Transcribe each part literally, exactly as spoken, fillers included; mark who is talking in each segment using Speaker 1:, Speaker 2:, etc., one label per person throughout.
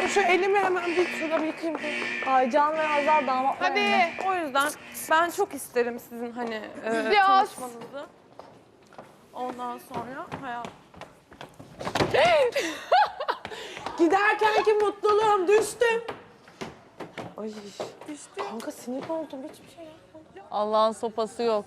Speaker 1: şu elimi hemen bir şurada bir yıkayayım.
Speaker 2: Aycan ve Hazal damatlar.
Speaker 1: Tabii o yüzden ben çok isterim sizin hani e,
Speaker 3: Biraz.
Speaker 1: tanışmanızı. Ondan sonra hayat. Giderkenki mutluluğum düştü. Ay düştü. Kanka sinir oldum hiçbir şey yapmadım.
Speaker 2: Allah'ın sopası yok.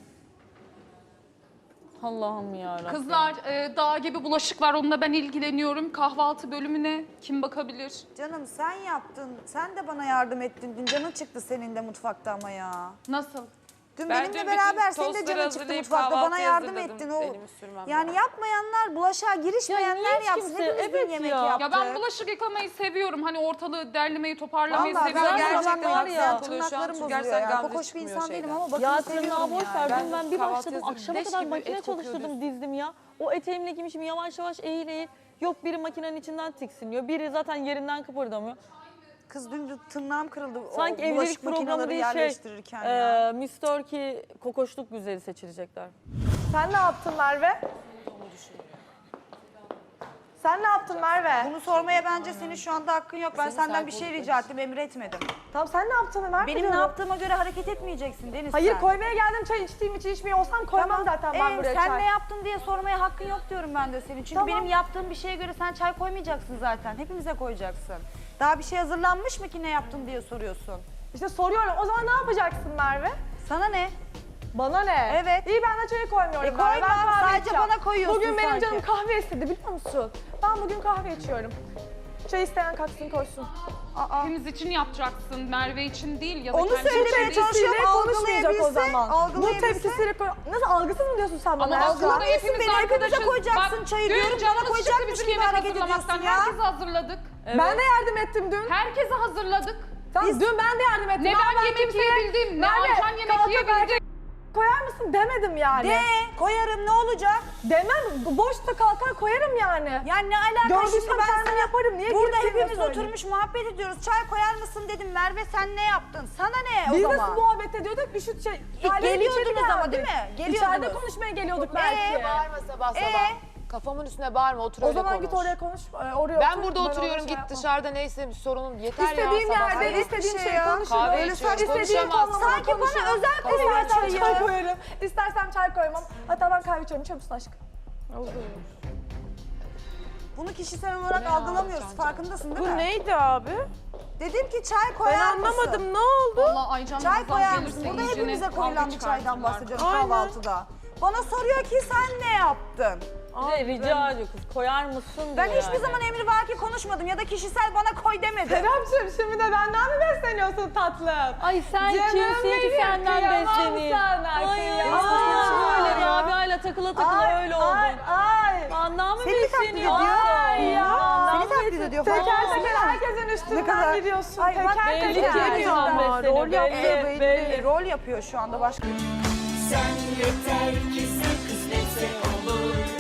Speaker 2: Allah'ım yarabbim.
Speaker 3: Kızlar e, dağ gibi bulaşık var, onunla ben ilgileniyorum. Kahvaltı bölümüne kim bakabilir?
Speaker 4: Canım sen yaptın. Sen de bana yardım ettin. Dün canın çıktı senin de mutfakta ama ya.
Speaker 3: Nasıl?
Speaker 4: Dün
Speaker 5: Ben
Speaker 4: benimle
Speaker 5: dün
Speaker 4: beraber
Speaker 5: bütün
Speaker 4: senin de
Speaker 5: tostları
Speaker 4: canın çıktı
Speaker 5: hazırlayıp
Speaker 4: mutfakta. Bana
Speaker 5: kahvaltıyı
Speaker 4: yardım
Speaker 5: hazırladım.
Speaker 4: ettin. O
Speaker 5: Elimi sürmem
Speaker 4: yani
Speaker 5: lazım.
Speaker 4: yapmayanlar, bulaşığa girişmeyenler
Speaker 2: hiç
Speaker 4: yapsın.
Speaker 2: kimse-
Speaker 4: Hepimiz
Speaker 2: evet
Speaker 4: dün yemek
Speaker 2: ya.
Speaker 4: yaptık.
Speaker 3: Ya ben bulaşık yıkamayı seviyorum. Hani ortalığı derlemeyi, toparlamayı
Speaker 4: Vallahi
Speaker 3: seviyorum.
Speaker 4: ben
Speaker 5: Gerçekten
Speaker 4: gerçekten var ya,
Speaker 5: haksız oluyor şu an.
Speaker 4: tırnaklarım
Speaker 5: Çünkü
Speaker 4: bozuluyor
Speaker 5: gerçekten
Speaker 4: ya.
Speaker 5: gamze
Speaker 4: Kokoş bir
Speaker 5: çıkmıyor
Speaker 4: insan değilim
Speaker 5: şeyden.
Speaker 4: ama bakın
Speaker 2: Ya
Speaker 4: seviyorum
Speaker 2: tırnağı boş ver.
Speaker 5: Ben
Speaker 2: Dün ben bir
Speaker 5: kahvaltı
Speaker 2: başladım.
Speaker 5: hazırladım.
Speaker 2: Akşama
Speaker 5: Leş
Speaker 2: kadar
Speaker 5: gibi
Speaker 2: makine
Speaker 5: et kokuyor
Speaker 2: çalıştırdım,
Speaker 5: diyorsun.
Speaker 2: dizdim ya. O eteğimle giymişim yavaş yavaş eğil eğil. Yok biri makinenin içinden tiksiniyor. Biri zaten yerinden kıpırdamıyor.
Speaker 4: kız dün de tırnağım kırıldı.
Speaker 2: Sanki
Speaker 4: o
Speaker 2: evlilik
Speaker 4: bulaşık
Speaker 2: programı
Speaker 4: makineleri
Speaker 2: değil şey.
Speaker 4: yerleştirirken ya.
Speaker 2: Ee, mister ki kokoşluk güzeli seçilecekler.
Speaker 1: Sen ne yaptın Merve? Sen ne yaptın Merve?
Speaker 4: Bunu sormaya bence senin şu anda hakkın yok. Ben senden bir şey rica ettim, emretmedim.
Speaker 1: Tamam sen ne yaptın Merve?
Speaker 4: Benim ne
Speaker 1: diyorum.
Speaker 4: yaptığıma göre hareket etmeyeceksin Deniz
Speaker 1: Hayır
Speaker 4: sen.
Speaker 1: koymaya geldim çay içtiğim için içmiyor olsam koymam
Speaker 4: Tamam.
Speaker 1: zaten ben
Speaker 4: Ee,
Speaker 1: buraya
Speaker 4: sen
Speaker 1: çay.
Speaker 4: ne yaptın diye sormaya hakkın yok diyorum ben de senin. Çünkü
Speaker 1: Tamam.
Speaker 4: benim yaptığım bir şeye göre sen çay koymayacaksın zaten. Hepimize koyacaksın. Daha bir şey hazırlanmış mı ki ne yaptın diye soruyorsun.
Speaker 1: İşte soruyorum o zaman ne yapacaksın Merve?
Speaker 4: Sana ne?
Speaker 1: Bana ne?
Speaker 4: Evet.
Speaker 1: İyi ben de çayı koymuyorum.
Speaker 4: E,
Speaker 1: Merve,
Speaker 4: koyma,
Speaker 1: ben kahve
Speaker 4: sadece
Speaker 1: içeceğim.
Speaker 4: bana koyuyorsun
Speaker 1: Bugün benim
Speaker 4: sanki.
Speaker 1: canım kahve istedi biliyor musun? Ben bugün kahve içiyorum. Çay isteyen kalksın koysun.
Speaker 4: Aa.
Speaker 3: Hepimiz için yapacaksın, Merve için değil ya da
Speaker 4: Onu
Speaker 3: kendi
Speaker 4: söylemeye
Speaker 3: için değil.
Speaker 4: çalışıyorum,
Speaker 1: Tepkisiyle konuşmayacak o
Speaker 4: algılayabilse,
Speaker 1: zaman. Bu
Speaker 4: algılayabilse.
Speaker 1: tepkisiyle koy... Nasıl algısız mı diyorsun sen bana?
Speaker 3: Ama
Speaker 1: ya?
Speaker 3: aslında
Speaker 4: Algılamıyorsun
Speaker 3: hepimiz
Speaker 4: beni, hepimize
Speaker 3: arkadaşız.
Speaker 4: koyacaksın
Speaker 3: Bak,
Speaker 4: çayı
Speaker 3: dün
Speaker 4: diyorum, bana
Speaker 3: canımız
Speaker 4: koyacakmış
Speaker 3: çıktı
Speaker 4: gibi
Speaker 3: bizim yemek
Speaker 4: hareket
Speaker 3: hazırlamaktan.
Speaker 4: ediyorsun ya.
Speaker 3: Herkese hazırladık.
Speaker 1: Ben de yardım ettim dün.
Speaker 3: Herkese hazırladık.
Speaker 1: Tamam, dün ben de yardım ettim.
Speaker 3: Ne
Speaker 1: Ama
Speaker 3: ben yemek
Speaker 1: kimseye,
Speaker 3: yiyebildim, ne
Speaker 1: Merve,
Speaker 3: Aycan yemek
Speaker 1: kalkıp
Speaker 3: yiyebildi.
Speaker 1: erkek koyar mısın demedim yani.
Speaker 4: De, koyarım ne olacak?
Speaker 1: Demem, boşta kalkar koyarım yani.
Speaker 4: Yani ne alaka
Speaker 1: Gördüysem
Speaker 4: şimdi ben
Speaker 1: kendim
Speaker 4: sana
Speaker 1: yaparım. Niye
Speaker 4: burada
Speaker 1: kimseye
Speaker 4: hepimiz
Speaker 1: söyleyeyim?
Speaker 4: oturmuş muhabbet ediyoruz. Çay koyar mısın dedim. Merve sen ne yaptın? Sana ne
Speaker 1: Biz
Speaker 4: o
Speaker 1: nasıl
Speaker 4: zaman?
Speaker 1: muhabbet ediyorduk? Bir şu şey...
Speaker 4: E,
Speaker 1: Halil'in
Speaker 4: geliyordunuz
Speaker 1: içeri
Speaker 4: ama
Speaker 1: geldik.
Speaker 4: değil mi?
Speaker 1: İçeride
Speaker 4: Geliyordunuz.
Speaker 1: konuşmaya geliyorduk belki.
Speaker 4: Ee,
Speaker 5: Bağırma sabah sabah.
Speaker 4: Ee?
Speaker 5: Kafamın üstüne bağırma, otur
Speaker 1: O
Speaker 5: öyle
Speaker 1: zaman
Speaker 5: konuş.
Speaker 1: git oraya konuş, e, oraya
Speaker 5: Ben
Speaker 1: otur.
Speaker 5: burada
Speaker 1: ona
Speaker 5: oturuyorum,
Speaker 1: şey
Speaker 5: git
Speaker 1: yapmam.
Speaker 5: dışarıda neyse sorunun yeter ya
Speaker 1: İstediğim
Speaker 5: sabah.
Speaker 1: yerde,
Speaker 4: Hayret
Speaker 1: istediğim
Speaker 4: bir şey
Speaker 1: şey
Speaker 4: ya.
Speaker 1: konuşurum.
Speaker 5: Kahve
Speaker 1: Öyle
Speaker 5: içiyoruz,
Speaker 1: istediğim
Speaker 5: konuşamazsın.
Speaker 1: tonlamada
Speaker 4: Sanki bana
Speaker 1: konuşurum.
Speaker 4: özel koyuyor
Speaker 1: İstersem
Speaker 4: çayı.
Speaker 1: çay koyarım, istersem çay koymam. Hatta ben kahve içiyorum, içer misin aşkım?
Speaker 4: Bunu kişisel olarak algılamıyoruz. Farkındasın değil mi?
Speaker 1: neydi abi?
Speaker 4: Dedim ki çay
Speaker 1: Ben
Speaker 4: koyar mısın?
Speaker 1: anlamadım, ne oldu?
Speaker 3: Vallahi Aycan
Speaker 4: Çay
Speaker 3: Hazal
Speaker 4: koyar
Speaker 3: gelirse
Speaker 4: mısın? Burada
Speaker 3: iyicene
Speaker 4: hepimize
Speaker 3: kavga
Speaker 4: koyulan bir çaydan
Speaker 3: çıkartırlar.
Speaker 4: bahsediyorum
Speaker 1: Aynen.
Speaker 4: kahvaltıda. Bana soruyor ki sen ne yaptın?
Speaker 2: Bir de rica ediyor kız koyar mısın diyor
Speaker 4: Ben hiçbir
Speaker 2: yani.
Speaker 4: zaman emrivaki konuşmadım ya da kişisel bana koy demedim.
Speaker 1: Serapcığım şimdi de benden mi besleniyorsun tatlım?
Speaker 2: Ay sen
Speaker 1: Canım
Speaker 2: kimsin ki
Speaker 1: benim,
Speaker 2: senden
Speaker 1: kıyamam
Speaker 2: besleneyim.
Speaker 1: sana,
Speaker 2: Ay ay
Speaker 1: kıyamam
Speaker 2: ay öyle
Speaker 1: sana.
Speaker 2: Rabia'yla takıla takıla
Speaker 1: Ay,
Speaker 2: öyle oldun.
Speaker 1: Ay ay.
Speaker 2: Andan mı
Speaker 4: Seni mi taklit ediyor?
Speaker 2: besleniyorsun?
Speaker 1: Ay ya.
Speaker 2: Andan
Speaker 4: Seni
Speaker 2: mı
Speaker 4: taklit ediyor falan.
Speaker 1: Teker
Speaker 4: Aa,
Speaker 1: teker herkesin üstünden gidiyorsun.
Speaker 4: Ay, bak,
Speaker 1: teker
Speaker 2: belli
Speaker 1: teker.
Speaker 2: ki
Speaker 4: Yani.
Speaker 2: yüzünden besleniyor,
Speaker 4: Rol yapıyor
Speaker 2: belli,
Speaker 4: belli.
Speaker 2: belli.
Speaker 4: Rol yapıyor şu anda başka.
Speaker 6: Sen yeter ki sen kısmetse olur.